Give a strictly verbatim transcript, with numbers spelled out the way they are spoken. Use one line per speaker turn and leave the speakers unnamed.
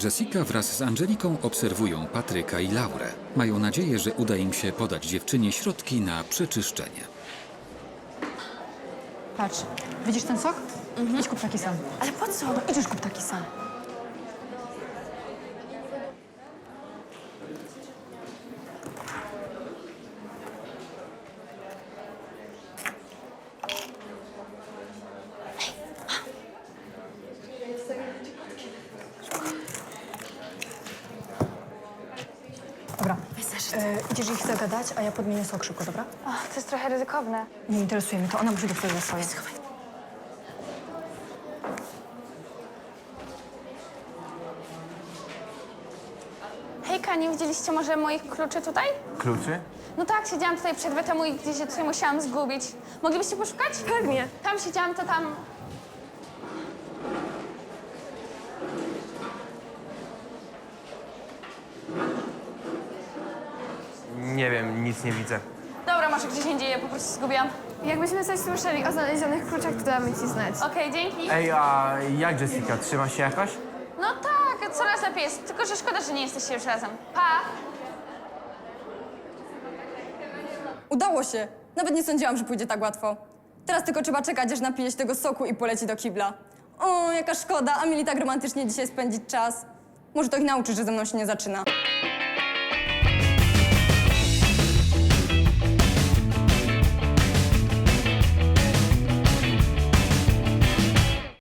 Jessica wraz z Angeliką obserwują Patryka i Laurę. Mają nadzieję, że uda im się podać dziewczynie środki na przeczyszczenie.
Patrz, widzisz ten sok? Mhm. Idź kup taki sam.
Ale po co?
No idziesz kup taki sam. Dobra, e, idziesz ich zagadać, a ja podmienię sok szybko, dobra?
Ach, to jest trochę ryzykowne.
Nie interesuje mnie to, ona musi dostać za swoje.
Hejka, nie widzieliście może moich kluczy tutaj?
Kluczy?
No tak, siedziałam tutaj przed temu i gdzieś się tutaj musiałam zgubić. Moglibyście poszukać? Pewnie. Tam siedziałam, to tam...
Nie wiem, nic nie widzę.
Dobra, może gdzieś indziej, ja po prostu zgubiłam.
Jakbyśmy coś słyszeli o znalezionych kluczach, to damy ci znać.
Okej, dzięki.
Ej, a jak Jessica? Trzyma się jakoś?
No tak, coraz lepiej jest. Tylko, że szkoda, że nie jesteście już razem. Pa!
Udało się. Nawet nie sądziłam, że pójdzie tak łatwo. Teraz tylko trzeba czekać, aż napije się tego soku i poleci do kibla. O, jaka szkoda, a mieli tak romantycznie dzisiaj spędzić czas. Może to ich nauczy, że ze mną się nie zaczyna.